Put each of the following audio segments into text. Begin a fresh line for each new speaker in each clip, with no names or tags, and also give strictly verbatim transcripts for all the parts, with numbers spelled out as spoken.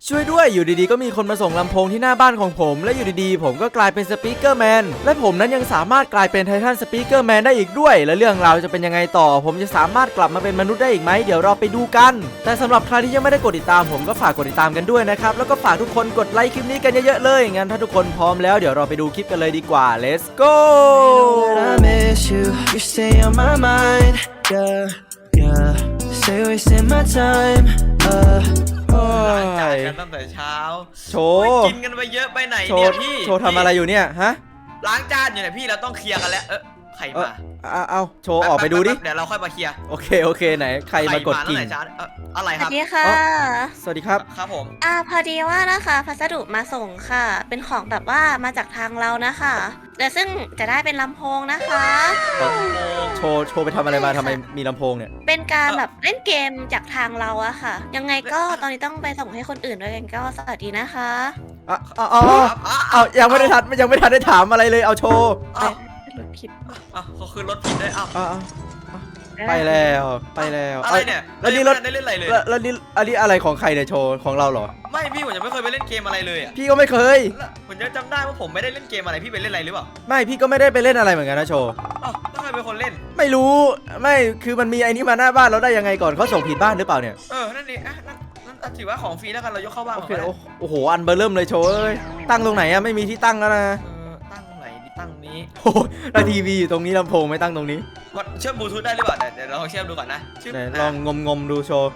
ช่วยด้วยอยู่ดีๆก็มีคนมาส่งลำโพงที่หน้าบ้านของผมและอยู่ดีๆผมก็กลายเป็นสปีกเกอร์แมนและผมนั้นยังสามารถกลายเป็นไททันสปีกเกอร์แมนได้อีกด้วยและเรื่องราวจะเป็นยังไงต่อผมจะสามารถกลับมาเป็นมนุษย์ได้อีกไหมเดี๋ยวเราไปดูกันแต่สำหรับใครที่ยังไม่ได้กดติดตามผมก็ฝากกดติดตามกันด้วยนะครับแล้วก็ฝากทุกคนกดไลค์คลิปนี้กันเยอะๆเลยงั้นถ้าทุกคนพร้อมแล้วเดี๋ยวเราไปดูคลิปกันเลยดีกว่า let's go
I miss you, you stay on my mind, yeah, yeah. Stay wasting my time, uh.
ล้างจานกันตั้งแต่เช้า
โชว์
กินกันไปเยอะไปไหน
โช
เนี่ย
ว์
พี่
โชว์ทำอะไรอยู่เนี่ยฮะ
ล้างจานอยู่เนี่ยพี่เราต้องเคลียร์กันแล้วเออใคร
เออ
มา
เอาเอาโชว์ออกไปดูดิ
เดี๋ยวเราค่อยมาเคลียร์
โอเคโอเคไหนใครมากดกิ่ง
ใครมาตั้งแต่เช้าเอ่ออะไร
ส
ครั
วั
บ
สดีค่ะ
สวัสดีครับ
ครับผม
อ่าพอดีว่านะคะพัสดุมาส่งค่ะ เป็นของแบบว่ามาจากทางเรานะคะแต่ซึ่งจะได้เป็นลำโพงนะคะ
โชว์โชว์ไปทำอะไรมาทำไมมีลำโพงเนี่ย
เป็นการแบบเล่นเกมจากทางเราอะค่ะ ยังไงก็ตอนนี้ต้องไปส่งให้คนอื่นด้วยกันก็สวัสดีนะคะ
อ่ะเอาเอาเอาเอายังไม่ได้ทันยังไม่ทันได้ถามอะไรเลยเอาโชว์
อ้าว
รถคิด
อ้าวเขาคือรถผิดด้วยอ้าว
เอาเอาเอาไปแล้วไปแล้ว
อะไรเนี่ย
แล้วนี่รถ
ได้เล่นอะไรเลย
แล้วแล้วนี่อันนี้อะไรของใครเนี่ยโชว์ของเราเหรอ
ไม่พี่ผมยังไม่เคยไปเล่นเกมอะไรเลยอ่ะ
พี่ก็ไม่เคย
แล้วผมจะจำได้ว่าผมไม่ได้เล่นเกมอะไรพี่ไปเล่นอะไรหรือเปล่า
ไม่พี่ก็ไม่ได้ไปเล่นอะไรเหมือนกันนะโชว์
อ้าวแล้วใครเป็นคนเล่น
ไม่รู้ไม่คือมันมีไอ้นี่มาหน้าบ้านเราได้ยังไงก่อนเขาส่งผิดบ้านหรือเปล่าเนี่ย
เออนั่นดิอ่ะนั่นนั่นถือว่าของฟรีแล้วกันเรายกเข้าบ้าน
โอ
ก่อน
เค
ก็ได้
โอ้โหอันเบอร์เริ่มเลยโชว์เอ้ยตั้งตรงไหนอะไม่มีที่ตั้งแล้วนะ
เออตั้งไหนดีตั้งนี้
โอ้โหแล้วทีวีอยู่ตรงนี้ลำโพงไม่ตั้งตรงนี้
กดเชื่อมบลูทูธได้หรือเปล่าเดี๋ยวเดี๋ยวเราลองเชื่อมดูก่อนนะชื่อ
ไหนลองงมงมๆดูโชว์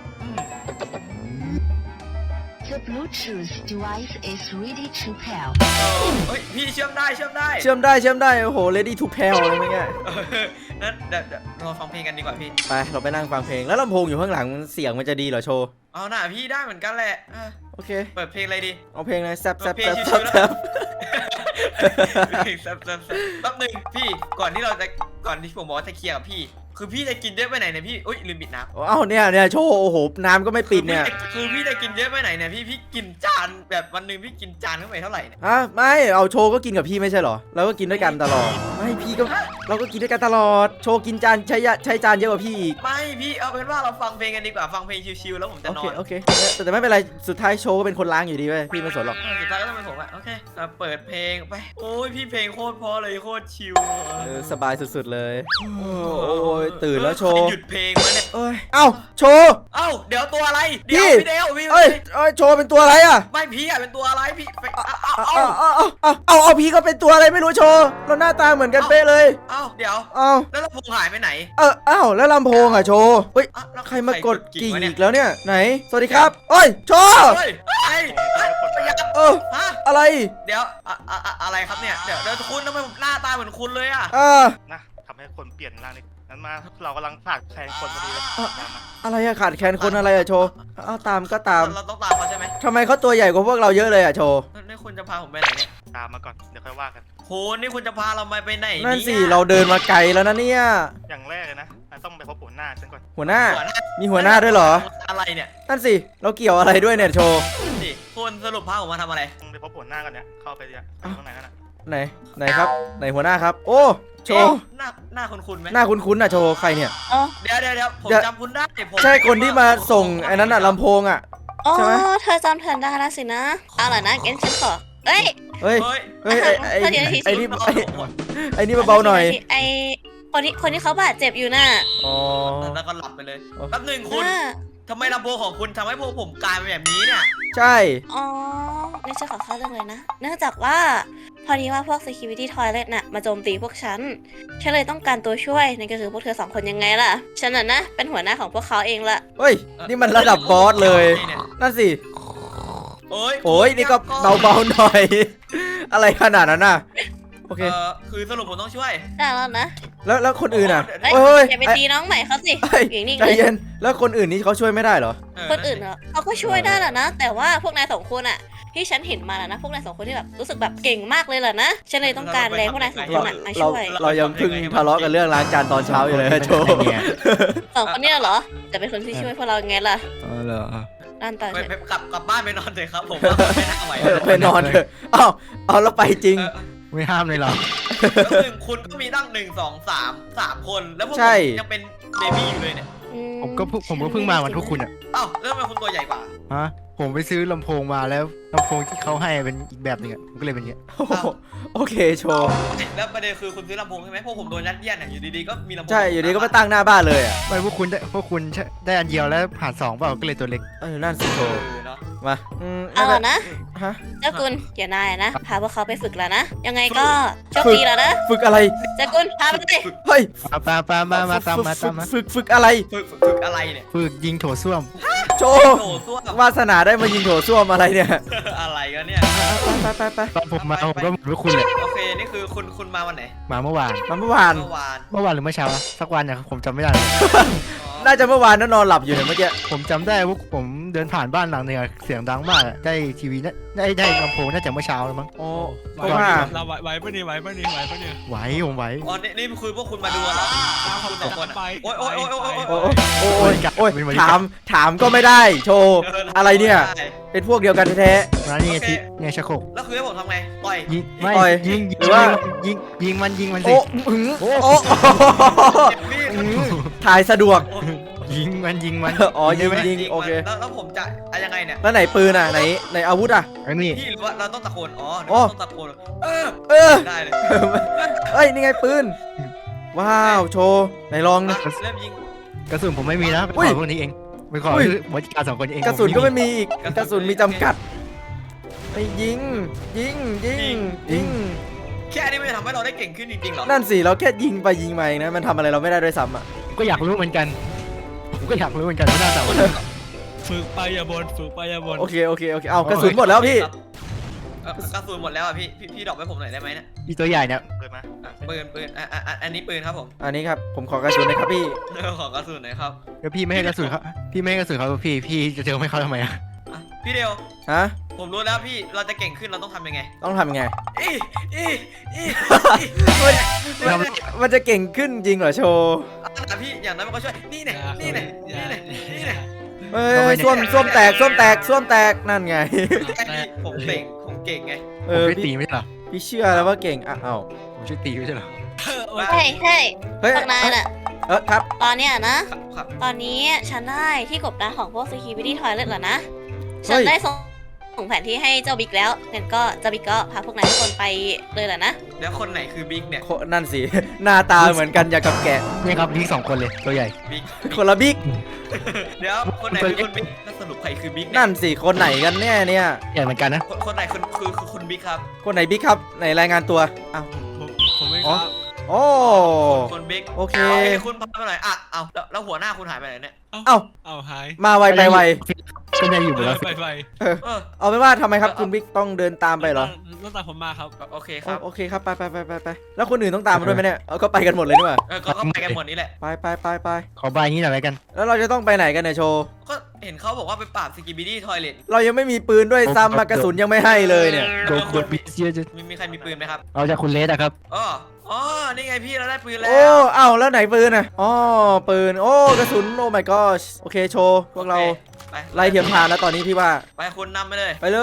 The Bluetooth device is ready to pair.
เฮ้ยพี่เชื่อมได้เชื่อมได้
เชื่อมได้เชื่อมได้โอ้โห ready to pair อะไรไม่ง่าย
เออนั้นเดี๋ยวเดี๋ยวเราฟังเพลงกันดีกว่าพี่
ไปเราไปนั่งฟังเพลงแล้วลำโพงอยู่ข้างหลังเสียงมันจะดีเหรอโชว์
เอาหน่าพี่ได้เหมือนกันแหละอ่ะ
โอเค
เปิดเพลงอะไรดี
เอาเพลงอะไรแซบแซบ
เพล
แซ
ง
บ
ชิวๆ
แซบแซบ
เพลงแซ่บแซ่บแซ่บแป๊บหนึงพี่ก่อนที่เราจะก่อนที่ผมบอกว่าจะเคลียร์กับพี่ คือพี่จะกินเยอะไปไหนเนี่ยพี่อุ้ยลืมปิดน้ำ
เอ้าเนี่ยเนี่ยโชว์โอ้โหน้ำก็ไม่ปิดเนี่ย
คือพี่จะกินเยอะไปไหนเนี่ยพี่พี่กินจานแบบวันหนึ่งพี่กินจานเข้าไปเท่าไหร่เนี่ย
ฮะไม่เอาโชว์ก็กินกับพี่ไม่ใช่เหรอเราก็กินด้วยกันตลอดไม่พี่ก็เราก็กินด้วยกันตลอดโชว์กินจานใช้ยะใช้จานเยอะกว่าพี่อีก
ไม่พี่เอาเป็นว่าเราฟังเพลงกันดีกว่าฟังเพลงชิวๆแล้วผมจะ
โอน
อ
เคน โอเคแต่แต่ไม่เป็นไรสุดท้ายโชว์ก็เป็นคนล้างอยู่ดีเว้ยพี่ไม่สนหรอก
เออสุดท้ายก็ต้องเป็นผมอะโอเคอ่ะเปิดเพลงไปโอ้ยพี่เพลงโคตรเพราะเลยโคตรชิว
เออสบายสุดๆเลยโอ้ยตื่นแล้วโชว์
หยุดเพลงมาเนี่ย
เอ้ยเอ้าโชว์
เอ้าเดี๋ยวตัวอะไรเดี๋ยว
พี่
พี่เดวพี่
เอ้ยเอ้ยโชว์เป็นตัวอะไรอ่ะ
ไม่พี่อะเป็นตัวอะไรพี่ไปเอาเอา
เอา
เอา
เอาเอาเอาเอาพี่ก็เป็นตัวอะไรไม่รู้โชว์เราหน้าตาเหมือนกันเป๊ะเลย
เอาเดี๋ยว
เอา
แล้วลำโพงหายไปไหน
เออเอ้าแล้วลำโพงอ่ะโชว์เฮ้ย
อ่ะแล้ว
ใครมากดกิ่ง
วะเนี่
อี
ย
กแล้วเนี่ยไหนสวัสดีครับเอ้ยโชว์
เฮ้ยไอ้ไอ้ประหยัด
เออ
ฮะ
อะไร
เดี๋ยวอะอะอะอะไรครับเนี่ยเดี๋ยวเดี๋ยวคุณทำไมผมหน้าตาเหมือนคุณเลยอะ
เออ
นะทำให้คนเปลี่ยนร่างนี่นั้นมาเรากำลังขาดแคลนคนพอดีเลยตามมา
อะไรอะขาดแคลนคนอะไรอะโชว์เอาตามก็ตาม
เราต้องตามเขาใช่ไหม
ทำไมเขาตัวใหญ่กว่าพวกเราเยอะเลยอะโชว์
นี่คุณจะพาผมไปไหนเนี่ย
ตามมาก่อนเดี๋ยวค่อยว่ากัน
คุณนี่คุณจะพาเราไปไหน
นั่นสิ
ย
เราเดินมาไกลแล้วนะเนี่ย
อย่างแรกเลยนะเราต้องไปพบหัวหน้าฉันก่อน
หัวหน้า
หัวหน้า
มีหัวหน้าด้วยเหรอ
อะไรเนี่ย
นั่นสิเราเกี่ยวอะไรด้วยเนี่ยโชว์
นั่นสิคุณสรุปพาผมมาทำอะไร
ต้องไปพบหัวหน้ากันเนี่ยเข้าไปเนี่ยไปข้างในกันนะ
ไหนไหนครับไหนหัวหน้าครับ โอ้โชว์
เอ๊ะหน้าหน้าคุณคุณไหม
หน้าคุ้นๆน่ะโชว์ใครเนี่ย
อ๋อ
เดี๋ยวเดี๋ยวเดี๋ยวผม
เดี๋ยว
จำคุณได้ผม
ใช่คนที่มาส่งไอ้นั้นน่ะลำโพงอ่ะ
อ๋อ
ใช่ไหม
เธอจำเธอได้แล้วสินะเอาล่ะนะงั้นฉันขอเอ้ย
เฮ้ย
เฮ้ย
เฮ้ยไอ้ไอ้
เดี๋ยว
ไอ้นี่
เดี๋ยว
ไอ้
เดี๋ยว
ไอ้นี่เบาๆหน่อย
ไอคนที่คนที่เขาบาดเจ็บอยู่น่ะ
อ๋อ
แล้วก็หลับไปเลย
อ๋อ
แป๊บหนึงคุณ
อ่า
ทำไมลำโพงของคุณทำให้พวกผมกลายเป็นแบบนี้เนี่ย
ใช่
อ๋อนี่ฉันขอเข้าเรื่องเลยนะ เนื่องจากว่าพอดีว่าพวก security toilet น่ะมาโจมตีพวกฉัน ฉันเลยต้องการตัวช่วยนั่นก็คือพวกเธอสองคนยังไงล่ะ ฉันน่ะนะเป็นหัวหน้าของพวกเขาเองล่ะ
เฮ้ยนี่มันระดับบอสเลย
นี่นี่
นั่นสิ
โอ้ย
โอ้ยนี่ก็เบาๆหน่อย อะไรขนาดนั้นน่ะโอเค
เออคือสรุปผมต้องช่วย
ได้แล้วนะ
แล้วแล้วคนอื่นอ่ะ
เอ้ย
เฮ้ย
อย่าไปตีน้องใหม่เขาสิ
เฮ้ย
อยู่นิ่ง
ใจ
เลย
เย็นแล้วคนอื่นนี่เขาช่วยไม่ได้เหรอ
คนอื่นเหรอเขาก็ช่วยได้แหละนะ แต่ว่าพวกนายสองคนอะที่ฉันเห็นมาแล้วนะ พวกนายสองคนที่แบบรู้สึกแบบเก่งมากเลยแหละนะ ฉันเลยต้องการแรงพวกนายสองคนอะมา
เรา
ช่วย
เรายังเพิ่งทะเลาะกันเรื่องล้างจานตอนเช้าอยู่เลยนะโชว์
สองคนเนี้เหรอจะเป็นคนที่ช่วยพวกเราไงล่ะ
อ๋อเหรอ
ด้านต่อ
ไป
เถ
ไป
อะ
กลับกลับบ้านไปนอนเถอะครับผมว่าไม่น่าไหว
เออไปนอนเถอะอ้าวเอาแล้วไปจริง
เออ
ไม่ห้ามเลยหรอ
แล้วหนึ่งคุณก็มีตั้งหนึ่งสองสามสามคนแล้วพวกผ
ใช่
มยังเป็นเบบี้อยู่เลยเนี่ย
อื
ผมก็เพิ่งผมก็เพิ่งมาวันทุกคุณอ่ะ
เอ้าแล้วทำไมคุณตัวใหญ่กว่า
ฮะ
ผมไปซื้อลำโพงมาแล้วลำโพงที่เขาให้เป็นอีกแบบหนึงอะผมก็เลยเป็นอย่างเงี้ย
โอ้โหโอเคโชว์
แล้วประเด็นคือคุณซื้อลำโพงใช่ไหมพวกผมโดนยัดเยียดเนี่ยอยู่ดีๆก็มีลำโพง
ใช่อยู่ดีก็มาตั้งหน้าบ้านเลยอ่ะ
ไม่พวกคุณได้พวกคุณได้อันเดียวแล้วผ่านสองเปล่าก็เลยตัวเล็ก
เออนั่นสิโช
เอ
ว์
อเนาะ
มาอืม
เอาล่ะนะ
ฮะ
เจ้ากุลเดี๋ยวนายอะนะพาพวกเขาไปฝึกแล้วนะ ยังไงก็โชคดีแล้วนะ
ฝึกอะไร
เจ้ากุลพาไปเลย
เฮ้ย
มาปาปามามาตามมาตามมา
ฝึกฝึกอะไร
ฝึกฝึกฝึกอะไรเนี่ย
ฝึกยิงโถส้วม
โชว์
โถส้วม
วาสนาได้มายิงโถส้วมอะไรเนี่ย
อะไรกันเนี่ย
ไปไปไป
ตอนผมมาผมก็เหมือนพวกคุณเลย
โอเคนี่คือคุณคุณมาวันไหน
มาเมื่อวาน
มาเมื่อวาน
เมื่อวาน
เมื่อวานหรือเมื่อเช้าอะสักวันเนี่ยผมจำไม่ได้เลย
อ๋อ
น่าจะเมื่อวานนั่นนอนหลับอยู่เนี่ยเมื่อกี้
ผมจำได้ว่าผมเดินผ่านบ้านหลังหนึงอะเสียงดังมากอะได้ทีวีน่าได้ได้ลำโพงน่าจะเมื่อเช้าแล้วมั้ง
โอ้
ไหว
เพราะว่า
เราไหวไหวปะเนี่ยไหวปะเนี่ยไหวปะเนี่ย
ไหวผมไหว
อ๋อนี่นี่คือพวกคุณมาดูเหรอคุณสองคนอะ
ไป
โอ๊ยโอ๊ยโอ๊ยโอ๊ย
โอ้
โอ๊ย
โอ้โอ้ยโอ้ยถามถามก็ไม่ได้โชว์ อะไรเนี่ย
ได้
เป็นพวกเดียวกันแท้
มานี่ไงที่เนี่ยชักโครก
แล้วคือให้ผมทำไงต่อย
ยิงไม่
ต่อย
ยิง
หรือว่า
ยิงยิงมันยิงมัน
ๆ
สิ
โอ้หึงโอ้โอ้
เจ็บมีด
หึงถ่ายสะดวก
โอ้
ยิงมันยิงมัน
อ๋อยิง
ได้ไหม
ยิงโอเค
แล้วแล้วผมจะอะยังไงเนี่ย
แล้วไหนปืนอ่ะไหนไหนอาวุธอ่ะ
อันนี้
พี่หรือว่าเราต้องตะโกนอ๋อหรือ
โอ้
ว่าต้องตะโกนเออ
เออ
ได้เลย
เอ้ยนี่ไงปืนว้าวโชว์ไหนลองนะ
เริ่มยิง
กระสุนผมไม่มีนะไป
อุ้
ข
ย
อพวกนี้เองไปขอ
อุ้ย
บริการสองคนเอง
กระสุนก็ไม่มีอีก
กระสุน
กระสุนมีจำกัดไปยิงยิงยิงยิง
แค่นี้มันจะทำให้เราได้เก่งขึ้นจริงๆเหรอ
นั่นสิเราแค่ยิงไปยิงมาเองนะมันทำอะไรเราไม่ได้ด้วยซ้ำอ่ะ
ผมก็อยากรู้เหมือนกันผมก็อยากรู้เหมือนกันว่าหน้าตามัน
ฝึกไปอย่าบนฝึกไปอย่าบน
โอเคโอเคโอเคเอากระสุนหมดแล้วพี่
เอ่อกระสุนหมดแล้วอ่ะพี่พี่พี่ดรอกให้ผมหน่อยได้ไหมเนี่ย
อีตัวใหญ่เนี่ย
เปิดมา
อ่ะปืนปืนอ่ะอ่ะอ่ะอันนี้ปืนครับผม
อันนี้ครับผมขอกระสุนหนะครับพี่
ขอกระสุนหน่อยครับ
แล้วพี่ไม่ให้กระสุนเขาพี่ไม่ให้กระสุนเขาพี่พี่จะเจอไม่เขาทำไมอะ
อ่ะพี่เดียว
ฮะ
ผมรู้แล้วพี่เราจะเก่งขึ้นเราต้องทำยังไง
ต้องทำยังไง
อีอีอี
มันมันมันจะเก่งขึ้นจริงเหรอโชว์
อ่ะพี่อย่างนั้นมันก็ช่วยนี่เนี่ยนี่เนี่ยนี่เนี่ยนี่เนี่ย
เฮ้ยส้วมส้วมแตกส้วมแตกส้วมแตกนั่นไง
ไอ้พี่ผมเก่งผมเก่งไง
เอ
ผม
อ
ช่วยตี
พี่
ไม่ใช่เหรอ
พี่เชื่อแล้วว่าเก่งอ่ะเอ้า
ผมช่วยตีไม่ใช่เหรอ
เฮ้ยเฮ้ย
เฮ้ย
พวกนายน่ะ
เออครับ
ตอนเนี้ยนะ
ครับครับ
ตอนนี้ฉันได้ที่กบดานของพวก security toilet แล้วนะ
เฮ้
ฉัน
ย
ได้ส่งส่งแผนที่ให้เจ้าบิ๊กแล้วงั้นก็เจ้าบิ๊กก็พาพวกนายทุกคนไปเลยแหละนะ
แล้วคนไหนคือบิ๊กเนี่ย
โคนั่นสิ หน้าตาเหมือนกันอย่างกับแกะ
นี่ครับนี่สองคนเลยตัวใหญ่
บิ๊ก
คนละบิ๊ก
เดี๋ยวคนไหนคือคนบิ๊กแล้วสรุปใครคือบิ๊กเนี่ย
นั่นสิคนไหนกันแน่เนี่ย
ใหญ่เหมือนกันนะ
คนคนไหนคือคือคือคุณบิ๊กครับ
คนไหนบิ๊กครับไหนรายงานตัวอ้าว
ผมผมไม่
อ๋
ค
อ
รับ
โอ้
คนบิ๊ก
โอเค
โอเคคุณพามาหน่อยอ่ะเอาแล้วแล้วหัวหน้าคุณหายไปไหนเนี่ย
เอ้า
เอาหาย
มาไวไปไว
ก็ยังอยู่หมดแล้ว
ไปไป
เออ
เออ
เอาเป็นว่าทำไมครับคุณบิ๊กต้องเดินตามไปเหรอ
ต้องตามผมมาครับ
โอเคค
อ๋อ
รับ
โอเคครับไปไปไปไปไปแล้วคนอื่นต้องตามมาด้วยไหมเนี่ยเอาก็ไปกันหมดเลยนี่หว่า
เออก็ก็ไปกันหมดนี้แหละ
ไปไปไปไป
ขอบายนี้หน่อยแล้วกัน
แล้วเราจะต้องไปไหนกันเนี่ยโชว์
ก็เห็นเขาบอกว่าไปปราบสกิบิดี้ทอยเลท
เรายังไม่มีปืนด้วยซ้ำมากระสุนยังไม่ให้เลยเนี่ย
โดนโดนบิสเยอะจะ
มีมีใครมีปืนไหมครับ
เอาจากคุณเลสอะครับ
อ๋ออ๋อนี่ไงพี่เราได้ปืนแล้
โอ้
ว
เอ้าแล้วไหนปืนอ่ะอ๋อปืนโอ้กระสุนโอ้ my god โอเคโชว์พวกเรา
ไป
ไล่เทียมทานแล้วตอนนี้พี่ว่า
ไปคุณนำไปเลย
ไปเลย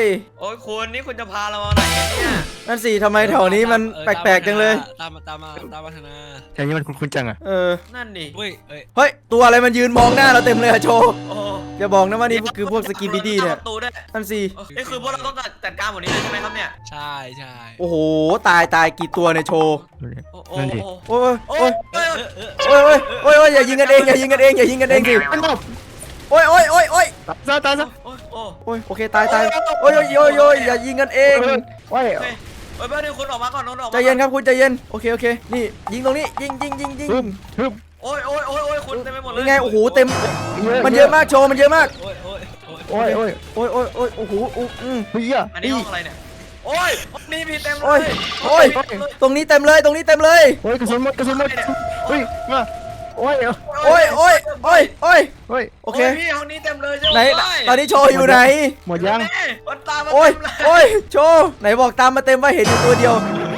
โอ้ยคุณนี่คุณจะพาเรามาไหนกันเนี่ย
นั่นสิทำไมแถวนี้มัน
เออ
แปลกๆจังเลย
ตามมาตามมาตามมาธนา
แถวนี้มันคุ้นๆจังอะ
เออ
นั่นดิ
เฮ้ยเอ้ย
เฮ้ยตัวอะไรมันยืนมองหน้าเราเต็มเลยอะโชว์
โอ้
อย่าบอกนะว่านี่คือพวกสกินดีๆเนี่ย
ประตูด้วย
นั่นสิ
โอ้นี่คือพวกเราต้องจัดการหมดนี้เลยใช่ไหมครับเนี่ย
ใช่ใช่
โอ้โหตายตายกี่ตัวเนี่ยโชว์
โอ้โห
นั่นดิ
โอ้ย
โอ้
โอ้
ย
ย
โอ้ย
เออเออ
โอ้ยโอ้ยโอ้ยโอ้ยอย่ายิงกันเองอย่ายิงกันเองอย่ายิงกันเองสิ
ไม่หลบ
โอ้ยโอ้ยโอ้ยโอ้ย
ตายตายซะ
โอ้ยโอ้ย
โอ้ยโอเคตายตายโอ้ยโอ้ยโอ้ยโอ้ยอย่ายิงกันเอง
โอ้ย
เฮ้ยเฮ้ยเพื่อนคุณออกมาก่อนคุณออกมา
ใจเย็นครับคุณใจเย็นโอเคโอเคนี่ยิงตรงนี้ยิงยิงยิงยิง
ทึบทึบ
โอ้ยโอ้ยโอ้ยโอ้ยคุณเต็มไปหมดเลย
ยังไงโอ้โหเต็มมันเยอะมากโชว์มันเยอะมาก
โอ้ยโอ้ยโอ้ย
โอ้ยโอ้ย
โอ้ยโอ้ยโอ้ยโอ้โหอู้อืม
เฮีย
อันนี้ห้องอะไรเนี่ยโอ้ยนี่มีเต็มเล
โอ้ย
ย
โอ้ยตรงนี้เต็มเลยตรงนี้เต็มเลย
โอ้ยกระสุนหมดกระสุนหมดเฮ้ยมาโอ้ย
โอ้ยโอ้ยโอ้ยโอ้ย
เฮ้ย
โอเค
พี่ห้องนี้เต็มเลยใช่
ไหน
ไหม
ตอนนี้โชว์อยู่ไหน
หมดยัง
มันตามมา
โอ้ย
เต็มเลย
โอ้ยโชว์ไหนบอกตามมาเต็มว่าเห็นอยู่ตัวเดียว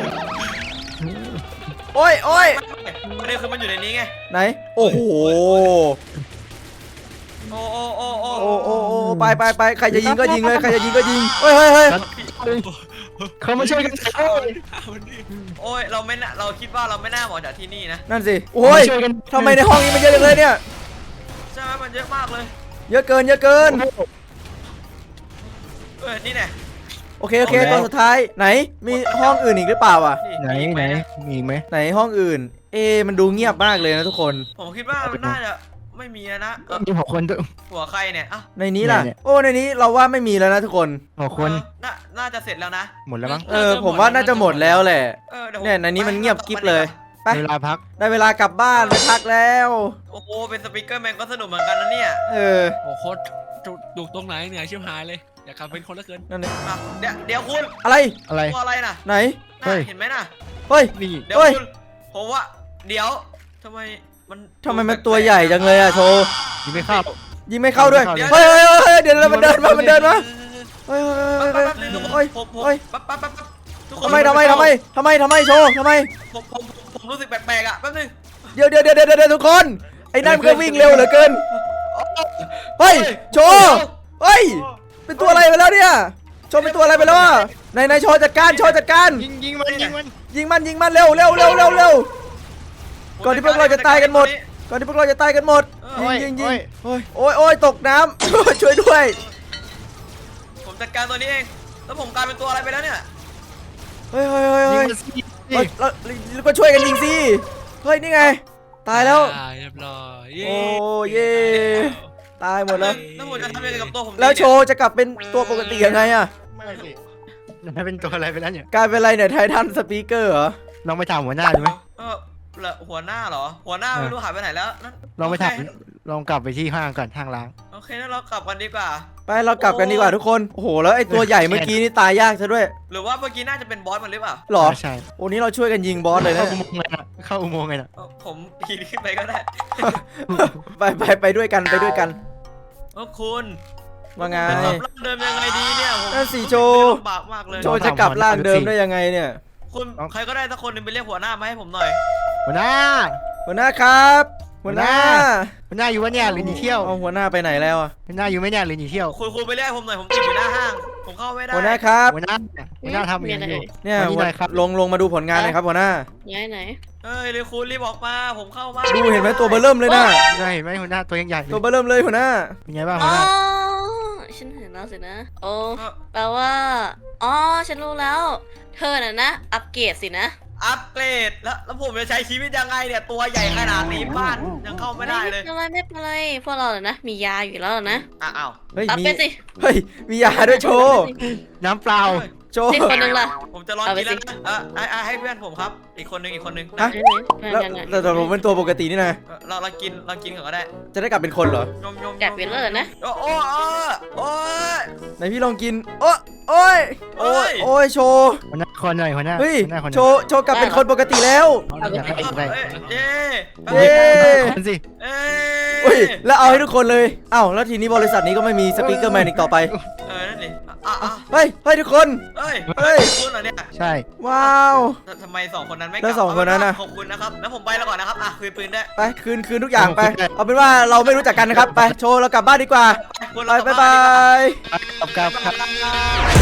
โอ้ยโอ้ย
ประเด็นคือมันอยู่ในนี้ไง
ไหนโอ้โห
โอ้โอ้โอ้โอ้
โอ้โอ้โอ้ไปไปไปใครจะยิงก็ยิงเลยใครจะยิงก็ยิงเฮ้ยเฮ้ยเฮ้ย
เขามาช่วยกัน
เอามันดิ
โอ้ยเราไม่น่าเราคิดว่าเราไม่น่าออกจากที่นี่นะ
นั่นสิโอ้ย
ช่วยกัน
ทำไมในห้องนี้มันเยอะจังเลยเนี่ย
ใช่ไหมมันเยอะมากเลย
เยอะเกินเยอะเกิน
เออนี่แน่
โอเคโอเคตัวสุดท้ายไหนมีห้องอื่นอีกหรือเปล่าอ่ะ
พี่
ไหน
มีอีก
ไหน
มะ
มีอีกไหม
ไหนห้องอื่น เอะมันดูเงียบมากเลยนะทุกคน
ผมคิดว่ามันน่าจะไม่มีแล้วนะเออ
มีหกคนด้วย
หัวใครเนี่ยอ่ะ
ในนี้ล่ะ
เนี่ย
โอ้ในนี้เราว่าไม่มีแล้วนะทุกคน
หกคน
เออน่าน่าจะเสร็จแล้วนะ
หมดแล้วมั้ง
เออผมว่าน่าจะหมดแล้วแหละ
เออเดี๋ยวผม
เนี่ยในนี้มันเงียบกิ๊บเลยไป
เวลาพัก
ได้เวลากลับบ้านไปพักแล้ว
โอ้โหเป็นสปีกเกอร์แมนก็สนุกเหมือนกันนะเนี่ย
เออ
โอ้โหโคตรจุดดูตรงไหนเหนื่อยชิบหายเลย อยากกลับเป็นคนละเกิน
นั่นนี่
อ่ะเดี๋ยวเดี๋ยวคุณ
อะไร
อะไร
ตัวอะไรน่ะ
ไหน
น่ะ
เฮ้ย
เห็นไหมน่ะ
เฮ้ย
นี่
เดี๋ยว
เฮ้ย
คุณผมว่าเดี๋ยวทำไมมัน
ทำไมมันตัวใหญ่จังเลยอะโชว์
ยิงไม่เข้า
ยิงไม่เข้าด้วย
ยิงไม่
เฮ้
เข้า
ยเฮ้ยเฮ้ยเดี๋ยวเรามันเดินมามันเดินมาเฮ้ย
แป๊บ
เฮ้ย
แป๊บแป๊บนึงทุกคน
เฮ้ย
ผมผม
เฮ้ย
แป๊บแป๊บแป๊บแป๊บทุกคน
ทำไมทำไมทำไมทำไมทำไมโชว์ทำไม
ผมผมผมผมรู้สึกแปลกๆอ่ะแป๊บนึง
เดี๋ยวเดี๋ยวเดี๋ยวเดี๋ยวเดี๋ยวทุกคน ไอ้นั่นมันก็วิ่งเร็วเหลือเกิน เฮ้ย โชว์เฮ้ย เป็นตัวอะไรไปแล้วเนี่ย โชว์เป็นตัวอะไรไปแล้วอะในในโชว์จัดการโชว์จัดการ
ยิงยิงมันยิงมัน
ยิงมันยิงมันเร็วเร็วเร็วเร็วเร็ว ก่อนที่พวกเราจะตายกันหมด ก่อนที่พวกเราจะตายกันหมด
โอ้ย
ยิงยิง
โอ้
ยิ
ย
งโอ้ยโอ้ยโอ้ยตกน้ำ ช่วยด้วย
ผมจัดการตัวนี้เองแล้วผมกลายเป็นตัวอะไรไปแล้วเนี่ย
เฮ้ยเฮ้ยเฮ้ย
ยิง
เฮ้ย
มันสิ
เราเราเราก็ช่วยกันยิงสิ เฮ้ยนี่ไง ตายแล้ว
อ่าเรียบร้อยเย้
โอ้เย่ตายหมดแล้ว
แล้วผมจะทำยังไงกับตัวผมดี
แล้วโช
เนี่ย
ว์จะกลับเป็นตัวปกติยังไงอะ
ไม่สิมันเป็นตัวอะไรไปแล้วเนี่ย
กลายเป็นอะไรเนี่ยไททันสปีกเกอร์เหรอ
ลองไปถามหัวหน้าดูไหม
เออแล้วหัวหน้าเหรอ หัวหน้าไม่รู้หายไปไหนแล้วนั่น
ลองไปถาม
โเค
ลองกลับไปที่ห้างก่อนห้างล้าง
โอเคงั้นเรากลับกันดีกว่า
ไปเรากลับกันดีกว่าทุกคน โอ้โหแล้วไอ้ตัวใหญ่เมื่อกี้นี่ตายยากซะด้วย
หรือว่าเมื่อกี้น่าจะเป็นบอสมันหรือเปล่า
หรอ
ใช่
โอ้นี้เราช่วยกันยิงบอสเลยนะ
เข้าอุโมงค์ไงนะเข้าอุโมงค์ไงนะ
เออผมปีนขึ้นไปก็ได้
ไปไปไปด้วยกันไปด้วยกัน
เออคุณ
ว่าไง
จะกลับร่างเดิมยังไงดีเนี่ยผม
นั่นสิโชว์
ลำบากมากเลย
โชว์จะกลับร่างเดิมได้ยังไงเนี่ย
คุณใครก็ได้สักคนหนึงไปเรียกหัวหน้ามาให้ผมหน่อย
หัวหน้า
หัวหน้าครับ หัวหน้า
หัวหน้าอยู่วะเนี่ยหรือหนีเที่ยว
เอาหัวหน้าไปไหนแล้วอะ
หัวหน้าอยู่ไหมเนี่ยหรือหนีเที่ยว
คุณคุณไปเรียกผมหน่อยผมติดอยู่หน้าห้าง ผมเข้าไม่ได้
หัวหน้าครับ
หัวหน้าหัวหน้าทำอย่างนี้อยู่
เนี่ย
มานี่หน่อยครับ
ลงลงมาดูผลงานหน่อยครับหัวหน้า
ย้ายไหน
เอ้ยเลยคุณรีบออกมาผมเข้ามา
ดูเห็นไหมตัวเบอร์เริ่มเลยนะ
ได้เห็นไหมหัวหน้าตัวยังใหญ่เล
ตัวย เบอร์เริ่มเลยหัวหน้า
เป็นไงบ้างหั
อ๋
ว
อ
หน้า
ฉันเห็นแล้วสินะ โอ้
เออ
แปลว่า อ๋อ ฉันรู้แล้ว เธอน่ะนะ อัปเกรดสินะ
อัปเกรดแล้วแล้วผมจะใช้ชีวิตยังไงเนี่ยตัวใหญ่ขนาดนี้บ้านยังเข้าไม่ได้เลย
ไม่เป็นไรไม่เป็นไร พวกเราน่ะนะ มียาอยู่แล้วนะ
อ่ะอ้าว
เฮ้ย
อัป
มี
เป็นสิ
เฮ้ยมียาด้วยโชว์
น้ำเปล่า
โชว์
นี่คนหนึงล่ะ
ผมจะลอง
เอาไป
กินแล้ว
สิ
นะเออให้ให้ให้เพื่อนผมครับ อีกคนนึงอีกคนนึง
ฮะ
ไหนๆ
แล้ว
ไหนๆ
แต่แต่ผมเป็นตัวปกตินี่นะ
เออเราเรากินเรากินก่อนก็ได้
จะได้กลับเป็นคนเหรอ
ยมยม
แกะเปลี่ยนเลยนะ
โอ้โอ้โอ้โอ้ย
ไหนพี่ลองกิน โอ้โอ้ยโอ้ย
เฮ้ย
โอ้ยโชว์
หัวหน้าคนหน่อยหัวหน้า
เฮ้ย
หัวหน้าคนห
โช
น่อย
ว์โชว์กลับเป็นคนปกติแล้ว
อยากให้อีกไร
เอ้ยเย้
เย้
คนสิ
เอ้
เฮ้ยแล้วเอาให้ทุกคนเลยเอ้าแล้วทีนี้บริษัทนี้ก็ไม่มีสปีกเกอร์แมนอีกต่อไป
เออนั่นดิอ่ะอ่ะ
เฮ้ยเฮ้ยทุกคน
เอ้ย
เฮ้ย
คุณเหรอเนี่ย
ใช่
ว้าว
แต่ทำไมสองคนนั้นไม่ก
แล้
ลั
วสองคนนั้นน่ะ
ขอบคุณนะครับแล้วผมไปแล้วก่อนนะครับอ่ะคืนปืนได้
ไปคืนคืนทุกอย่างไป เอาเป็นว่าเราไม่รู้จักกันนะครับ ไปโชว์เรากลับบ้านดีกว่า
คุณ
ไป
เรากลั
บาย
บ้นดีกว่
บาย
กับกับ
กลับบ้าน